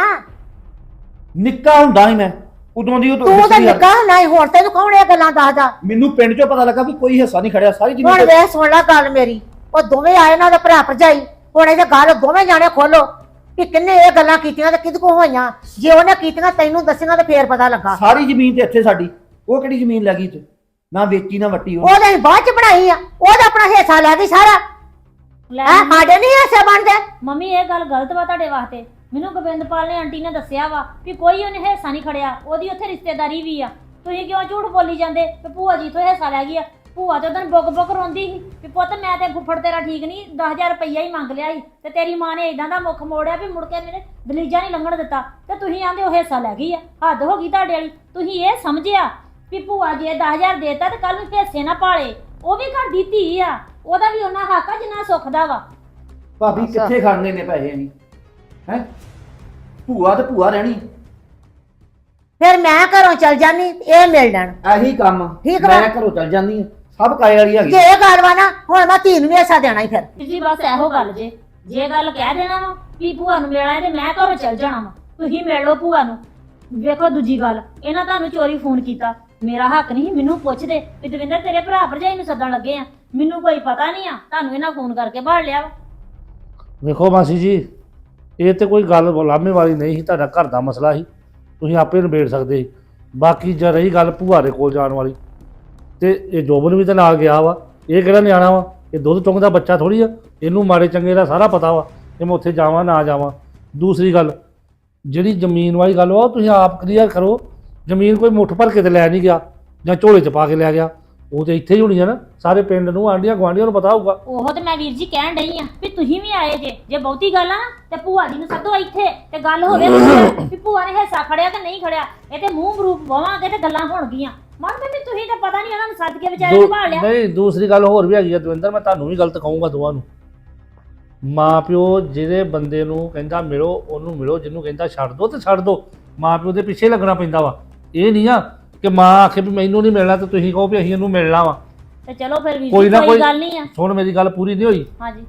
ਨਿੱਕਾ ਹੁੰਦਾ ਸੀ ਮੈਂ ਉਦੋਂ ਦੀ। ਉਹ
ਤੂੰ ਤਾਂ ਨਿੱਕਾ ਨਹੀਂ, ਹੁਣ ਤੈਨੂੰ ਕੌਣ ਇਹ ਗੱਲਾਂ ਦੱਸਦਾ?
ਮੈਨੂੰ ਪਿੰਡ 'ਚੋਂ ਪਤਾ ਲੱਗਾ ਵੀ ਕੋਈ ਹਿੱਸਾ ਨਹੀਂ ਖੜਿਆ, ਸਾਰੀ
ਹੁਣ
ਜ਼ਮੀਨ
ਵੇਖ ਸੁਣ ਲੈ ਗੱਲ ਮੇਰੀ। ਉਹ ਦੋਵੇਂ ਆਏ ਨਾ, ਉਹਦੇ ਭਰਾ ਭਰਜਾਈ। ਹੁਣ ਇਹਦੇ ਗੱਲ ਦੋਵੇਂ ਜਾਣੇ ਖੋਲੋ ਕਿ ਕਿੰਨੇ ਇਹ ਗੱਲਾਂ ਕੀਤੀਆਂ ਤੇ ਕਿਹਦੇ ਕੋ ਹੋਈਆਂ। ਜੇ ਉਹਨੇ ਕੀਤੀਆਂ ਤੈਨੂੰ ਦੱਸੀਆਂ ਤੇ ਫੇਰ ਪਤਾ ਲੱਗਾ।
ਸਾਰੀ ਜ਼ਮੀਨ ਤੇ ਇੱਥੇ ਸਾਡੀ। ਉਹ ਕਿਹੜੀ ਜ਼ਮੀਨ ਲੈ ਗਈ ਤੇ ਨਾ ਵੇਚੀ ਨਾ ਵੱਟੀ ਉਹ।
ਉਹਦੇ ਬਾਅਦ ਚ ਬਣਾਈ ਆ, ਉਹਦਾ ਆਪਣਾ ਹਿੱਸਾ ਲੈ ਗਈ ਸਾਰਾ।
ਲੈ
ਹੈ ਸਾਡੇ ਨਹੀਂ ਹਿੱਸੇ ਬਣਦੇ।
ਮੰਮੀ ਇਹ ਗੱਲ ਗਲਤ ਵਾ ਤੁਹਾਡੇ ਵਾਸਤੇ। ਮੈਨੂੰ ਗੋਬਿੰਦਪਾਲ ਨੇ ਆਂਟੀ ਨੇ ਦੱਸਿਆ ਵਾ ਵੀ ਕੋਈ ਉਹਨੇ ਹਿੱਸਾ ਨਹੀਂ ਖੜਿਆ, ਉਹਦੀ ਉੱਥੇ ਰਿਸ਼ਤੇਦਾਰੀ ਵੀ ਆ। ਤੁਸੀਂ ਕਿਉਂ ਝੂਠ ਬੋਲੀ ਜਾਂਦੇ ਕਿ ਭੂਆ ਜੀ ਤੋਂ ਹਿੱਸਾ ਲੈ ਗਈ ਆ? ਭੂਆ ਤੇ ਉਦੋਂ ਬੁੱਕ ਬੁੱਕ ਰੋਂਦੀ ਸੀ ਵੀ ਪੁੱਤ ਮੈਂ ਤੇ ਫੁੱਫੜ ਤੇਰਾ ਠੀਕ ਨਹੀਂ, 10,000 ਰੁਪਈਆ ਹੀ ਮੰਗ ਲਿਆ ਸੀ ਤੇ ਤੇਰੀ ਮਾਂ ਨੇ ਇਦਾਂ ਦਾ ਮੁੱਖ ਮੋੜਿਆ ਵੀ ਮੁੜ ਕੇ ਮੇਰੇ ਦਲੀਜਾ ਨਹੀਂ ਲੰਘਣ ਦਿੱਤਾ। ਤੇ ਤੁਸੀਂ ਆਂਦੇ ਉਹ ਹਿੱਸਾ ਲੈ ਗਈ ਆ। ਹੱਦ ਹੋ ਗਈ ਤੁਹਾਡੇ ਵਾਲੀ। ਤੁਸੀਂ ਇਹ ਸਮਝਿਆ ਵੀ ਭੂਆ ਜੇ 10,000 ਦੇਤਾ ਤੇ ਕੱਲ ਨੂੰ ਹਿੱਸੇ ਨਾ ਪਾਲੇ। ਉਹ ਵੀ ਘਰ ਦੀ ਧੀ ਆ, ਉਹਦਾ ਵੀ ਉਹਨਾਂ ਹੱਕ ਆ ਜਿੰਨਾ ਸੁੱਖ ਦਾ ਵਾ।
ਭਾਬੀ ਕਿੱਥੇ ਖੜਨੇ ਨੇ ਪੈਸੇ ਅਸੀਂ? ਹੈ ਭੂਆ ਤੇ ਭੂਆ ਰਹਿਣੀ।
ਫਿਰ ਮੈਂ ਘਰੋਂ ਚਲ ਜਾਨੀ, ਇਹ ਮਿਲ ਜਾਣ।
ਇਹੀ ਕੰਮ
ਠੀਕ ਵਾ।
ਮੈਂ ਘਰੋਂ ਚੱਲ ਜਾਂਦੀ ਆ, ਸਭ ਕਾਏ ਵਾਲੀ ਹੈਗੀ।
ਜੇ ਇਹ ਗੱਲ ਵਾ ਨਾ, ਹੁਣ ਮੈਂ ਧੀ ਨੂੰ ਵੀ ਹਿੱਸਾ ਦੇਣਾ ਹੀ। ਫਿਰ
ਤੁਸੀਂ ਬਸ ਇਹੋ ਗੱਲ ਜੇ ਗੱਲ ਕਹਿ ਦੇਣਾ ਵਾ ਵੀ ਭੂਆ ਨੂੰ ਮਿਲਣਾ ਤੇ ਮੈਂ ਘਰੋਂ ਚੱਲ ਜਾਣਾ ਵਾ, ਤੁਸੀਂ ਮਿਲ ਲਓ ਭੂਆ ਨੂੰ। ਵੇਖੋ ਦੂਜੀ ਗੱਲ, ਇਹਨਾਂ ਤੁਹਾਨੂੰ ਚੋਰੀ ਫੋਨ ਕੀਤਾ ਮੇਰਾ ਹੱਕ ਨਹੀਂ ਮੈਨੂੰ ਪੁੱਛਦੇ ਵੀ ਦਵਿੰਦਰ ਤੇਰੇ ਭਰਾ ਭਰਜਾਈ ਨੂੰ ਸੱਦਣ ਲੱਗੇ ਆ, ਮੈਨੂੰ ਕੋਈ ਪਤਾ ਨਹੀਂ ਆ, ਤੁਹਾਨੂੰ ਇਹਨਾਂ ਫੋਨ ਕਰਕੇ ਭਾਲ ਲਿਆ ਵਾ।
ਵੇਖੋ ਮਾਸੀ ਜੀ, ਇਹ ਤੇ ਕੋਈ ਗੱਲ ਲਾਮੇ ਵਾਲੀ ਨਹੀਂ ਸੀ, ਤੁਹਾਡਾ ਘਰ ਦਾ ਮਸਲਾ ਸੀ, ਤੁਸੀਂ ਆਪੇ ਨਿਬੇੜ ਸਕਦੇ ਸੀ। ਬਾਕੀ ਜੇ ਰਹੀ ਗੱਲ ਭੂਆ ਦੇ ਕੋਲ ਜਾਣ ਵਾਲੀ, ਤੇ ਇਹ ਜੋਬਨ ਵੀ ਤਾਂ ਨਾਲ ਗਿਆ ਵਾ, ਇਹ ਕਿਹੜਾ ਨਿਆਣਾ ਵਾ, ਇਹ ਦੁੱਧ ਚੁੰਗਦਾ ਬੱਚਾ ਥੋੜੀ ਆ, ਇਹਨੂੰ ਮਾੜੇ ਚੰਗੇ ਦਾ ਸਾਰਾ ਪਤਾ ਵਾ ਕਿ ਮੈਂ ਉੱਥੇ ਜਾਵਾਂ ਨਾ ਜਾਵਾਂ। ਦੂਸਰੀ ਗੱਲ, ਜਿਹੜੀ ਜ਼ਮੀਨ ਵਾਲੀ ਗੱਲ ਵਾ ਉਹ ਤੁਸੀਂ ਆਪ ਕਲੀਅਰ ਕਰੋ। ਜ਼ਮੀਨ ਕੋਈ ਮੁੱਠ ਭਰ ਕੇ ਤੇ ਲੈ ਨਹੀਂ ਗਿਆ ਜਾਂ ਝੋਲੇ 'ਚ ਪਾ ਕੇ ਲੈ ਗਿਆ, ਉਹ ਤੇ ਇੱਥੇ ਹੀ ਹੋਣੀ ਆ ਨਾ, ਸਾਰੇ ਪਿੰਡ ਨੂੰ ਆਂਢੀਆਂ ਗੁਆਂਢੀਆਂ ਨੂੰ ਪਤਾ ਹੋਊਗਾ।
ਉਹ ਤੇ ਮੈਂ ਵੀਰ ਜੀ ਕਹਿਣ ਡਈ ਆ ਵੀ ਤੁਸੀਂ ਵੀ ਆਏ ਜੇ ਬਹੁਤੀ ਗੱਲ ਆ ਨਾ ਤੇ ਭੂਆ ਜੀ ਨੂੰ ਸੱਦੋ ਇੱਥੇ ਤੇ ਗੱਲ ਹੋਵੇ ਵੀ ਭੂਆ ਨੇ ਹਿੱਸਾ ਖੜਿਆ ਕਿ ਨਹੀਂ ਖੜਿਆ। ਇਹ ਤੇ ਮੂੰਹ ਮਰੂਪ ਬਵਾਂਗੇ ਤੇ ਗੱਲਾਂ ਹੋਣਗੀਆਂ। ਮਨ ਵੀ ਤੁਸੀਂ ਤਾਂ ਪਤਾ ਨਹੀਂ ਉਹਨਾਂ ਨੂੰ ਸੱਦ ਕੇ ਵਿਚਾਰੇ ਨੂੰ ਭਾਲ ਲਿਆ।
ਨਹੀਂ, ਦੂਸਰੀ ਗੱਲ ਹੋਰ ਵੀ ਹੈਗੀ ਆ ਦਵਿੰਦਰ, ਮੈਂ ਤੁਹਾਨੂੰ ਵੀ ਗਲਤ ਕਹੂੰਗਾ ਦੋਵਾਂ ਨੂੰ। ਮਾਂ ਪਿਓ ਜਿਹੜੇ ਬੰਦੇ ਨੂੰ ਕਹਿੰਦਾ ਮਿਲੋ ਉਹਨੂੰ ਮਿਲੋ, ਜਿਹਨੂੰ ਕਹਿੰਦਾ ਛੱਡ ਦੋ ਤੇ ਛੱਡ ਦੋ। ਮਾਂ ਪਿਓ ਦੇ ਪਿੱਛੇ ਲੱਗਣਾ ਪੈਂਦਾ ਵਾ। ਇਹ ਨਹੀਂ ਆ ਕਿ ਮਾਂ ਆਖੇ ਵੀ ਮੈਨੂੰ ਨਹੀਂ ਮਿਲਣਾ ਤੇ ਤੁਸੀਂ ਕਹੋ ਵੀ ਅਸੀਂ ਇਹਨੂੰ ਮਿਲਣਾ ਵਾ।
ਤੇ ਚਲੋ ਫਿਰ ਵੀਰ
ਕੋਈ
ਜੀ
ਨਾ
ਕੋਈ
ਕੋਈ
ਗੱਲ ਨਹੀਂ ਆ।
ਸੁਣ, ਮੇਰੀ ਗੱਲ ਪੂਰੀ ਨਹੀਂ ਹੋਈ।
ਹਾਂਜੀ,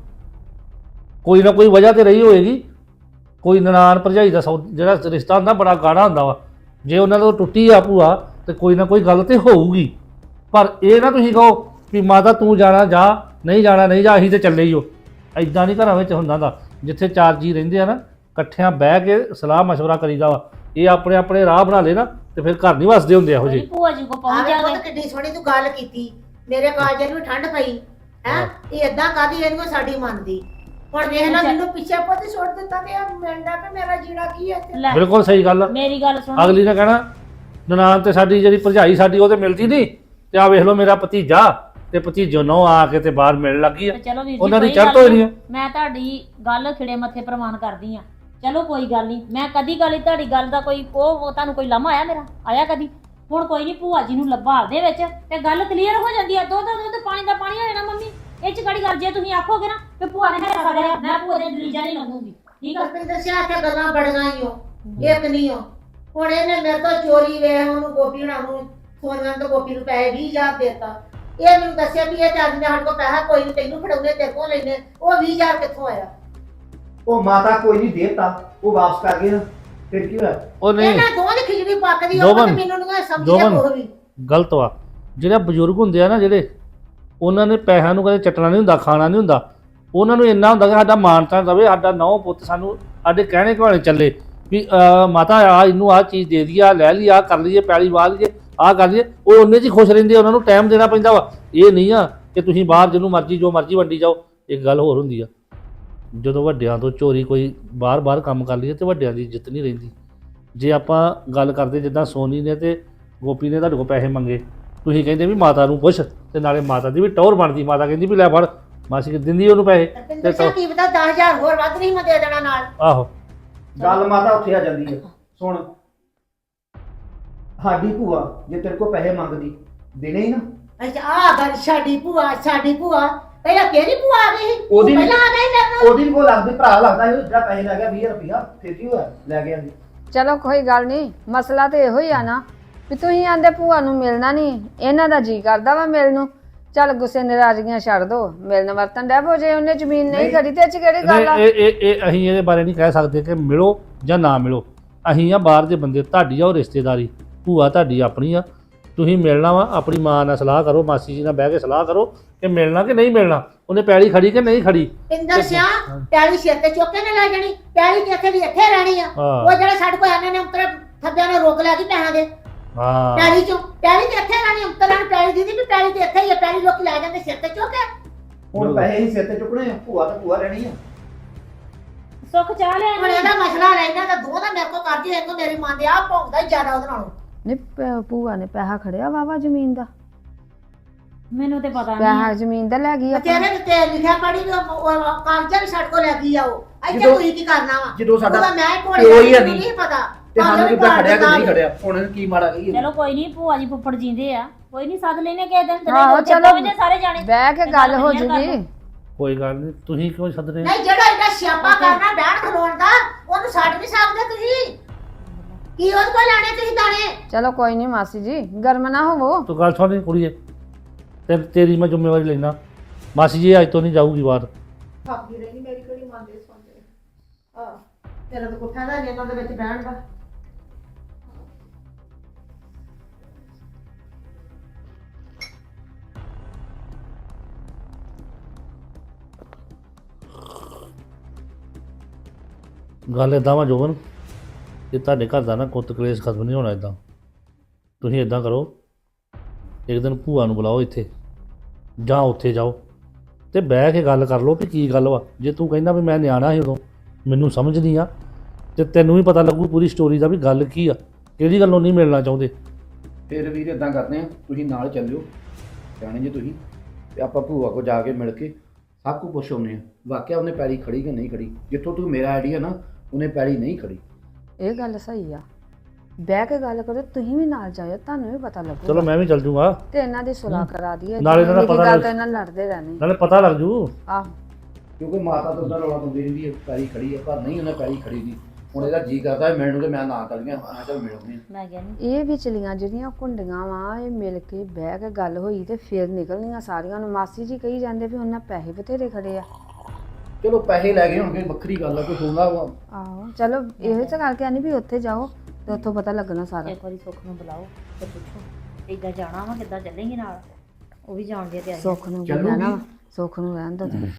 ਕੋਈ ਨਾ ਕੋਈ ਵਜ੍ਹਾ ਤੇ ਰਹੀ ਹੋਏਗੀ। ਕੋਈ ਨਨਾਣ ਭਰਜਾਈ ਦਾ ਜਿਹੜਾ ਰਿਸ਼ਤਾ ਹੁੰਦਾ ਬੜਾ ਗਾੜਾ ਹੁੰਦਾ ਵਾ। ਜੇ ਉਹਨਾਂ ਤੋਂ ਟੁੱਟੀ ਆ ਭੂਆ ਤੇ ਕੋਈ ਨਾ ਕੋਈ ਗੱਲ ਤੇ ਹੋਊਗੀ। ਪਰ ਇਹ ਨਾ ਤੁਸੀਂ ਕਹੋ ਵੀ ਮਾਤਾ ਤੂੰ ਜਾਣਾ ਜਾ, ਨਹੀਂ ਜਾਣਾ ਨਹੀਂ ਜਾ, ਅਸੀਂ ਤੇ ਚੱਲੇ ਹੀ ਹੋ। ਐਦਾਂ ਨਹੀਂ ਘਰਾਂ ਵਿੱਚ ਹੁੰਦਾ ਦਾ। ਜਿੱਥੇ ਚਾਰ ਜੀ ਰਹਿੰਦੇ ਆ ਨਾ, ਇਕੱਠਿਆਂ ਬਹਿ ਕੇ ਸਲਾਹ ਮਸ਼ਵਰਾ ਕਰੀਦਾ ਵਾ। ਇਹ ਆਪਣੇ ਆਪਣੇ ਰਾਹ ਬਣਾ ਲੈ ਨਾ ਤੇ ਫਿਰ ਘਰ ਨਹੀਂ ਵਸਦੇ ਹੁੰਦੇ ਇਹੋ ਜਿਹੇ।
ਭੂਆ ਜੀ ਕੋ ਪਹੁੰਚ
ਆਵੇ
ਜਾਗੇ।
ਪੁੱਤ ਕਿੱਡੀ ਸੋਹਣੀ ਤੂੰ ਗੱਲ ਕੀਤੀ, ਮੇਰੇ ਕਾਲਜੇ ਨੂੰ ਠੰਡ ਪਈ ਹੈ। ਇਹ ਏਦਾਂ ਕਾਦੀ ਇਹਨੂੰ ਸਾਡੀ ਮੰਨਦੀ। ਹੁਣ ਵੇਖ ਲੈ ਮੈਨੂੰ ਪਿੱਛੇ ਪੁੱਤ ਛੋੜ ਦਿੱਤਾ ਤੇ ਆ ਮਿਲਦਾ ਤੇ ਮੇਰਾ ਜੀਣਾ ਕੀ ਹੈ ਇੱਥੇ।
ਲੈ,
ਬਿਲਕੁਲ ਸਹੀ ਗੱਲ ਆ।
ਮੇਰੀ ਗੱਲ ਸੁਣ।
ਅਗਲੀ ਨੇ ਕਹਿਣਾ ਨਨਾਣ ਤੇ ਸਾਡੀ ਜਿਹੜੀ ਭਰਜਾਈ ਸਾਡੀ ਉਹ ਤੇ ਮਿਲਦੀ ਨਹੀਂ, ਤੇ ਆ ਵੇਖ ਲਓ ਮੇਰਾ ਭਤੀਜਾ ਤੇ ਭਤੀਜੋ ਨੋ ਆ ਕੇ ਤੇ ਬਾਹਰ ਮਿਲਣ ਲੱਗੀ ਆ।
ਤੇ ਚਲੋ ਵੀਰ ਜੀ
ਉਹਨਾਂ ਦੀ
ਕੋਈ
ਚੜ੍ਹ
ਗੱਲ
ਹੋਈ
ਨੀ।
ਆ।
ਮੈਂ ਤੁਹਾਡੀ ਗੱਲ ਖਿੜੇ ਮੱਥੇ ਪ੍ਰਮਾਣ ਕਰਦੀ ਆ। ਚਲੋ ਕੋਈ ਗੱਲ ਨਹੀਂ, ਮੈਂ ਕਦੀ ਗੱਲ ਤੁਹਾਡੀ ਗੱਲ ਦਾ ਕੋਈ ਉਹ ਤੁਹਾਨੂੰ ਕੋਈ ਲਾਮਾ ਆਇਆ ਮੇਰਾ ਆਇਆ ਕਦੀ? ਹੁਣ ਕੋਈ ਨਹੀਂ, ਭੂਆ ਜੀ ਨੂੰ ਲੱਭਾ ਦੇ ਵਿੱਚ ਤੇ ਗੱਲ ਕਲੀਅਰ ਹੋ ਜਾਂਦੀ ਆ। ਦੁੱਧ ਪਾਣੀ ਦਾ ਪਾਣੀ ਹੋ ਜਾਣਾ ਮੰਮੀ। ਇਹ ਚ ਕਿਹੜੀ ਗੱਲ, ਜੇ ਤੁਸੀਂ ਆਖੋਗੇ ਨਾ ਕਿ ਭੂਆ ਨੇ ਹਿੱਸਾ ਕਰਿਆ, ਮੈਂ ਭੂਆ ਦੇ ਦਲੀਜਾ ਨਹੀਂ ਲੰਘੂਗੀ। ਠੀਕ ਆ?
ਰੁਪਿੰਦਰ ਸਿਆ ਤੇ ਗੱਲਾਂ ਬੜੀਆਂ ਹੀ ਹੋ, ਇੱਕ ਨਹੀਂ ਹੋ। ਹੁਣ ਇਹਨੇ ਮੇਰੇ ਤੋਂ ਚੋਰੀ ਵੇ ਉਹਨੂੰ ਗੋਪੀ ਹੁਣਾਂ ਨੂੰ ਸੋਨੀਆ ਤੋਂ ਗੋਪੀ ਨੂੰ ਪੈਸੇ 20,000 ਦੇਤਾ। ਇਹ ਮੈਨੂੰ ਦੱਸਿਆ ਵੀ ਇਹ ਚਾਰ ਦਿਨ ਸਾਡੇ ਕੋਲ ਪੈਸਾ ਕੋਈ ਨਹੀਂ, ਤੈਨੂੰ ਫੜਾਉਣੇ ਤੇਰੇ ਕੋਲ ਲੈਣੇ। ਉਹ 20,000 ਕਿੱਥੋਂ ਆਇਆ?
ਉਹ ਮਾਤਾ ਕੋਈ ਨਹੀਂ ਦੇਤਾ, ਉਹ ਵਾਪਸ ਕਰ ਗਏ ਨਾ, ਫਿਰ ਕੀ ਹੋਇਆ?
ਉਹ ਨਹੀਂ,
ਇਹਨਾਂ ਦੋਵਾਂ ਦੀ ਖਿਚੜੀ ਪੱਕਦੀ ਉਹ
ਜੋਬਨ,
ਤੇ ਮੈਨੂੰ ਨਹੀਂ ਸਮਝਿਆ ਕੋਈ ਵੀ।
ਗਲਤ ਵਾ। ਜਿਹੜੇ ਬਜ਼ੁਰਗ ਹੁੰਦੇ ਆ ਨਾ, ਜਿਹੜੇ ਉਹਨਾਂ ਨੇ ਪੈਸਿਆਂ ਨੂੰ ਕਦੇ ਚੱਟਣਾ ਨਹੀਂ ਹੁੰਦਾ, ਖਾਣਾ ਨਹੀਂ ਹੁੰਦਾ। ਉਹਨਾਂ ਨੂੰ ਇੰਨਾ ਹੁੰਦਾ ਕਿ ਸਾਡਾ ਮਾਨਤਾ ਰਵੇ, ਸਾਡਾ ਨੌ ਪੁੱਤ ਸਾਨੂੰ ਸਾਡੇ ਕਹਿਣੇ ਘਵਾਣੇ ਚੱਲੇ ਵੀ ਮਾਤਾ ਆ ਇਹਨੂੰ ਆਹ ਚੀਜ਼ ਦੇ ਦਈਏ, ਆ ਲੈ ਲਈ, ਆ ਕਰ ਲਈਏ, ਪੈਲੀ ਵਾਹ ਲਈਏ, ਆਹ ਕਰ ਲਈਏ। ਉਹ ਉਹਨੇ 'ਚ ਹੀ ਖੁਸ਼ ਰਹਿੰਦੇ, ਉਹਨਾਂ ਨੂੰ ਟਾਈਮ ਦੇਣਾ ਪੈਂਦਾ ਵਾ। ਇਹ ਨਹੀਂ ਆ ਕਿ ਤੁਸੀਂ ਬਾਹਰ ਜਿਹਨੂੰ ਮਰਜ਼ੀ ਜੋ ਮਰਜ਼ੀ ਵੰਡੀ ਜਾਓ। ਇੱਕ ਗੱਲ ਹੋਰ ਹੁੰਦੀ ਆ, ਜਦੋਂ ਵੱਡਿਆਂ ਤੋਂ ਚੋਰੀ ਕੋਈ ਬਾਹਰ ਕੰਮ ਕਰ ਲਈਏ ਤੇ ਵੱਡਿਆਂ ਦੀ ਇੱਜ਼ਤ ਨਹੀਂ ਰਹਿੰਦੀ। ਜੇ ਆਪਾਂ ਗੱਲ ਕਰਦੇ ਜਿੱਦਾਂ ਸੋਨੀ ਨੇ ਤੇ ਗੋਪੀ ਨੇ ਤੁਹਾਡੇ ਕੋਲ ਪੈਸੇ ਮੰਗੇ, ਤੁਸੀਂ ਕਹਿੰਦੇ ਵੀ ਮਾਤਾ ਨੂੰ ਪੁੱਛ, ਤੇ ਨਾਲੇ ਮਾਤਾ ਦੀ ਵੀ ਟੌਰ ਬਣਦੀ। ਮਾਤਾ ਕਹਿੰਦੀ ਵੀ ਲੈ ਫੜ, ਮਾਸੀ ਕਿ ਦਿੰਦੀ ਉਹਨੂੰ ਪੈਸੇ।
ਰੁਪਿੰਦਰ ਸਿਆ ਕੀ ਪਤਾ 10,000 ਹੋਰ ਵੱਧ ਨਹੀਂ ਮੈਂ ਦੇ ਦੇਣਾ ਨਾਲ।
ਆਹੋ,
ਗੱਲ ਮਾਤਾ ਉੱਥੇ ਆ ਜਾਂਦੀ ਹੈ। ਸੁਣ, ਸਾਡੀ ਭੂਆ ਜੇ ਤੇਰੇ ਕੋਲ ਪੈਸੇ ਮੰਗਦੀ ਦੇਣੇ ਹੀ ਨਾ।
ਅੱਛਾ ਆ ਗੱਲ ਸਾਡੀ ਭੂਆ ਪਹਿਲਾਂ ਕਿਹੜੀ ਭੂਆ ਆ ਗਈ ਸੀ?
ਉਹਦੀ-
ਪਹਿਲਾਂ ਆ ਗਈ ਮੇਰੇ ਨਾਲ।
ਉਹਦੀ ਕੋਲ ਲੱਗਦੀ ਭਰਾ ਲੱਗਦਾ ਸੀ, ਜਿਹੜਾ ਪੈਸੇ ਲੈ ਗਿਆ 20 ਰੁਪਇਆ, ਫਿਰ ਕੀ ਹੋਇਆ? ਲੈ ਗਿਆ ਸੀ।
ਚਲੋ ਕੋਈ ਗੱਲ ਨਹੀਂ, ਮਸਲਾ ਤੇ ਇਹੋ ਹੀ ਆ ਨਾ ਵੀ ਤੁਸੀਂ ਆਂਦੇ ਭੂਆ ਨੂੰ ਮਿਲਣਾ ਨਹੀਂ, ਇਹਨਾਂ ਦਾ ਜੀ ਕਰਦਾ ਵਾ ਮਿਲਣ ਨੂੰ। ਚੱਲ ਗੁੱਸੇ ਨਾਰਾਜ਼ਗੀਆਂ ਛੱਡ ਦੋ, ਮਿਲਣ ਵਰਤਨ ਡੈ ਪੋ। ਜੇ ਉਹਨੇ ਜ਼ਮੀਨ ਨਹੀਂ ਖੜੀ ਤੇ ਇਹ 'ਚ ਕਿਹੜੀ ਗੱਲ ਆ?
ਇਹ ਅਸੀਂ ਇਹਦੇ ਬਾਰੇ ਨਹੀਂ ਕਹਿ ਸਕਦੇ ਕਿ ਮਿਲੋ ਜਾਂ ਨਾ ਮਿਲੋ। ਅਸੀਂ ਆ ਬਾਹਰ ਦੇ ਬੰਦੇ, ਤੁਹਾਡੀ ਆ ਉਹ ਰਿਸ਼ਤੇਦਾਰੀ, ਭੂਆ ਤੁਹਾਡੀ ਆਪਣੀ ਆ। ਤੁਸੀਂ ਮਿਲਣਾ ਵਾ, ਆਪਣੀ ਮਾਂ ਨਾਲ ਸਲਾਹ ਕਰੋ, ਮਾਸੀ ਜੀ ਨਾਲ ਬਹਿ ਕੇ ਸਲਾਹ ਕਰੋ ਕਿ ਮਿਲਣਾ ਕਿ ਨਹੀਂ ਮਿਲਣਾ, ਉਹਨੇ ਪੈਲੀ ਖੜੀ ਕਿ ਨਹੀਂ ਖੜੀ।
ਇੰਦਰ ਸਿਆ ਪੈਲੀ ਸਿਰ ਤੇ ਚੁੱਕ ਕੇ ਨਾ ਲੈ ਜਾਣੀ, ਪੈਲੀ ਕਿੱਥੇ ਦੀ ਇੱਥੇ ਰਹਿਣੀ ਆ।
ਹਾਂ।
ਉਹ ਜਿਹੜਾ ਸਾਡੇ ਕੋਲ ਆਨੇ ਨੇ ਉੱਤਰ ਥੱਬਿਆਂ ਨੇ ਰੋਕ ਲਿਆ ਕਿ ਪੈਸਿਆਂ ਦੇ
ਹਾਂ,
ਪੈਲੀ ਚੋਂ, ਪੈਲੀ ਤੇ ਇੱਥੇ ਰਹਿਣੀ, ਉੱਤਰਾਂ ਨੂੰ ਪੈਲੀ ਦੀਦੀ ਵੀ ਪੈਲੀ ਤੇ ਇੱਥੇ ਹੀ ਆ। ਪੈਲੀ ਲੋਕ ਲੈ ਜਾਂਦੇ ਸਿਰ ਤੇ ਚੁੱਕ ਕੇ।
ਹੁਣ ਪੈਸੇ ਹੀ ਸਿਰ ਤੇ ਚੁੱਕਣੇ ਆ, ਭੂਆ ਤਾਂ ਭੂਆ ਰਹਿਣੀ ਆ।
ਸੁੱਖ ਚਾਹ ਲਿਆ
ਹੁਣ ਇਹਦਾ ਮਸਲਾ ਰਹਿਣਾ ਤਾਂ ਦੋ ਦਾ ਮੇਰੇ ਕੋਲ ਕਰਦੀ ਹੈ, ਇਹਨੂੰ ਮੇਰੀ ਮਾਂ ਦੇ ਆ ਭੌਂਕਦਾ ਹੀ ਜ਼ਿਆਦਾ ਉਹਦੇ ਨਾਲੋਂ।
ਨਹੀਂ ਭੂਆ ਨੇ ਪੈਸਾ ਖੜਿਆ ਵਾਵਾ ਜ਼ਮੀਨ ਦਾ,
ਮੈਨੂੰ ਤੇ ਪਤਾ
ਪੈਸਾ
ਨਹੀਂ।
ਜ਼ਮੀਨ ਦਾ ਲੈ ਗਈ ਆਪਾਂ।
ਤੇਰੇ ਤੇ ਲਿਖਿਆ ਪੜੀ ਵੀ ਕਾਗਜ਼ਾਂ ਵੀ ਸਾਡੇ ਕੋਲ ਲੈ ਗਈ ਆ। ਉਹ ਇੱਥੇ
ਜਦੋਂ-
ਕੋਈ ਕੀ ਕਰਨਾ ਵਾ?
ਜਦੋਂ ਸਾਡਾ
ਉਹਦਾ ਮੈਂ
ਪਿਓ
ਕੋਲੇ
ਹੀ ਹੈ
ਮੈਨੂੰ
ਨਹੀਂ।
ਨਹੀਂ ਪਤਾ
ਤੇ ਸਾਨੂੰ ਕਿੱਦਾਂ
ਭਾਵੇਂ
ਖੜਿਆ ਕਿ ਨਹੀਂ
ਨਾਲ-
ਖੜਿਆ? ਹੁਣ ਇਹਨੂੰ ਕੀ ਮਾੜਾ ਕਹੀਏ?
ਚਲੋ ਕੋਈ ਨਹੀਂ, ਭੂਆ ਜੀ ਫੁੱਫੜ ਜੀਂਦੇ ਆ, ਕੋਈ ਨਹੀਂ ਸੱਦ ਲੈਨੇ ਕਿਸੇ ਦਿਨ।
ਆਹੋ, ਚਲੋ
ਸਾਰੇ ਜਾਣੇ
ਬਹਿ ਕੇ ਗੱਲ ਹੋ ਜੂਗੀ।
ਕੋਈ ਗੱਲ ਨਹੀਂ, ਤੁਸੀਂ ਕਿਉਂ ਸੱਦਦੇ?
ਨਹੀਂ ਜਿਹੜਾ ਇਹਦਾ ਸਿਆਪਾ ਕਰਨਾ ਬੈਠ ਖਲੋਣ ਦਾ, ਉਹਨੂੰ ਛੱਡ ਨਹੀਂ ਸਕਦੇ ਤੁਸੀਂ। ਕੀ ਉਹਦੇ ਕੋਲ ਲੈਣੇ ਤੁਸੀਂ ਦਾਣੇ?
ਚਲੋ ਕੋਈ ਨਹੀਂ ਮਾਸੀ ਜੀ, ਗਰਮ ਨਾ ਹੋਵੋ।
ਤੂੰ ਗੱਲ ਸੁਣ ਕੁੜੀਏ, ਤੇਰੀ ਮੈਂ ਜ਼ਿੰਮੇਵਾਰੀ ਲੈਣਾ। ਮਾਸੀ ਜੀ ਅੱਜ ਤੋਂ ਨਹੀਂ ਜਾਊਗੀ ਬਾਹਰ।
ਥੱਕਦੀ ਰਹੀ ਮੇਰੀ ਕਿਹੜੀ ਮੰਨਦੇ ਸੁਣਦੇ ਆ। ਤੇਰਾ ਤਾਂ ਕੋਠਾ ਦਾ ਇਹਨਾਂ ਦੇ ਵਿੱਚ ਬਹਿਣ ਦਾ।
ਗੱਲ ਇਦਾਂ ਵਾ ਜੋਬਨ, ਕਿ ਤੁਹਾਡੇ ਘਰ ਦਾ ਨਾ ਕੁੱਤ ਕਲੇਸ਼ ਖਤਮ ਨਹੀਂ ਹੋਣਾ ਇਦਾਂ। ਤੁਸੀਂ ਇਦਾਂ ਕਰੋ, ਇੱਕ ਦਿਨ ਭੂਆ ਨੂੰ ਬੁਲਾਓ ਇੱਥੇ, ਜਾਂ ਉੱਥੇ ਜਾਓ ਤੇ ਬਹਿ ਕੇ ਗੱਲ ਕਰ ਲਓ ਵੀ ਕੀ ਗੱਲ ਵਾ। ਜੇ ਤੂੰ ਕਹਿੰਦਾ ਵੀ ਮੈਂ ਨਿਆਣਾ ਸੀ ਉਦੋਂ, ਮੈਨੂੰ ਸਮਝ ਨਹੀਂ ਆ, ਤੇ ਤੈਨੂੰ ਵੀ ਪਤਾ ਲੱਗੂ ਪੂਰੀ ਸਟੋਰੀ ਦਾ ਵੀ ਗੱਲ ਕੀ ਆ, ਕਿਹੜੀ ਗੱਲੋਂ ਨਹੀਂ ਮਿਲਣਾ ਚਾਹੁੰਦੇ।
ਫਿਰ ਵੀਰ ਇਦਾਂ ਕਰਦੇ ਆ, ਤੁਸੀਂ ਨਾਲ ਚੱਲਿਓ ਜਾਣੇ ਜੇ ਤੁਸੀਂ, ਤੇ ਆਪਾਂ ਭੂਆ ਕੋ ਜਾ ਕੇ ਮਿਲ ਕੇ ਸਭ ਕੁਝ ਪੁੱਛ ਆਉਂਦੇ ਆ ਵਾਕਿਆ ਉਹਨੇ ਪੈਲੀ ਖੜੀ ਕਿ ਨਹੀਂ ਖੜੀ। ਜਿੱਥੋਂ ਤੂੰ ਮੇਰਾ ਆਈਡੀਆ ਨਾ, ਉਹਨੇ ਪੈਲੀ ਨਹੀਂ ਖੜੀ।
ਇਹ ਗੱਲ ਸਹੀ ਆ, ਬਹਿ ਕੇ ਗੱਲ ਕਰੋ, ਤੁਸੀਂ ਵੀ ਨਾਲ ਜਾਇਓ, ਤੁਹਾਨੂੰ ਵੀ ਪਤਾ ਲੱਗੂਗਾ।
ਚਲੋ ਮੈਂ ਵੀ ਚੱਲ ਜੂਗਾ,
ਤੇ ਇਹਨਾਂ ਦੀ ਸੁਲਾਹ ਕਰਾ ਦਈਏ,
ਨਾਲੇ ਇਹਨਾਂ ਦਾ
ਨਿੱਕੀ
ਪਤਾ
ਗੱਲ
ਲੱਗ-
ਤਾਂ ਇਹਨਾਂ ਲੜਦੇ ਰਹਿਣੇ।
ਨਾਲੇ ਪਤਾ ਲੱਗ ਜੂ।
ਆਹ
ਕਿਉਂਕਿ ਮਾਤਾ ਤੋਂ ਉਹਦਾ ਰੌਲਾ ਪਾਉਂਦੀ ਰਹਿੰਦੀ ਹੈ ਪੈਲੀ ਖੜੀ ਹੈ, ਪਰ ਨਹੀਂ ਉਹਨੇ ਪੈਲੀ ਖੜੀ ਦੀ। ਹੁਣ ਇਹਦਾ ਜੀ ਕਰਦਾ ਮਿਲਣ ਨੂੰ, ਤੇ ਮੈਂ ਨਾ ਤਲੀਆਂ ਮੈਂ ਚੱਲ ਮਿਲਉਂਦੇ।
ਮੈਂ ਕਹਿੰਦੀ
ਇਹ ਵਿਚਲੀਆਂ ਜਿਹੜੀਆਂ ਕੁੰਡੀਆਂ ਵਾ, ਇਹ ਮਿਲ ਕੇ ਬਹਿ ਕੇ ਗੱਲ ਹੋਈ ਤੇ ਫਿਰ ਨਿਕਲਣੀਆਂ ਸਾਰੀਆਂ ਨੂੰ। ਮਾਸੀ ਜੀ ਕਹੀ ਜਾਂਦੇ ਵੀ ਉਹਨਾਂ ਪੈਸੇ ਬਥੇਰੇ ਖੜੇ ਆ।
ਚਲੋ ਪੈਸੇ ਲੈ ਗਏ ਹੋਣਗੇ, ਵੱਖਰੀ ਗੱਲ ਆ, ਕੋਈ ਹੋਣਾ ਵਾ।
ਆਹੋ ਚਲੋ ਇਹੋ ਤਾਂ ਕਰਕੇ ਆਨੀ ਵੀ ਉੱਥੇ ਜਾਓ ਤੇ ਉੱਥੋਂ ਪਤਾ ਲੱਗਣਾ ਸਾਰਾ।
ਇੱਕ ਵਾਰੀ ਸੁੱਖ ਨੂੰ ਬੁਲਾਓ ਤੇ ਪੁੱਛੋ ਇੱਦਾਂ ਜਾਣਾ ਵਾ, ਕਿੱਦਾਂ ਚੱਲੇਂਗੇ ਨਾਲ? ਉਹ ਵੀ ਜਾਣ ਦੀ ਤਿਆਰੀ।
ਸੁੱਖ ਨੂੰ
ਚੱਲੂਗੀ।
ਕਹਿਣਾ ਵਾ, ਸੁੱਖ ਨੂੰ ਰਹਿਣ ਦੋ।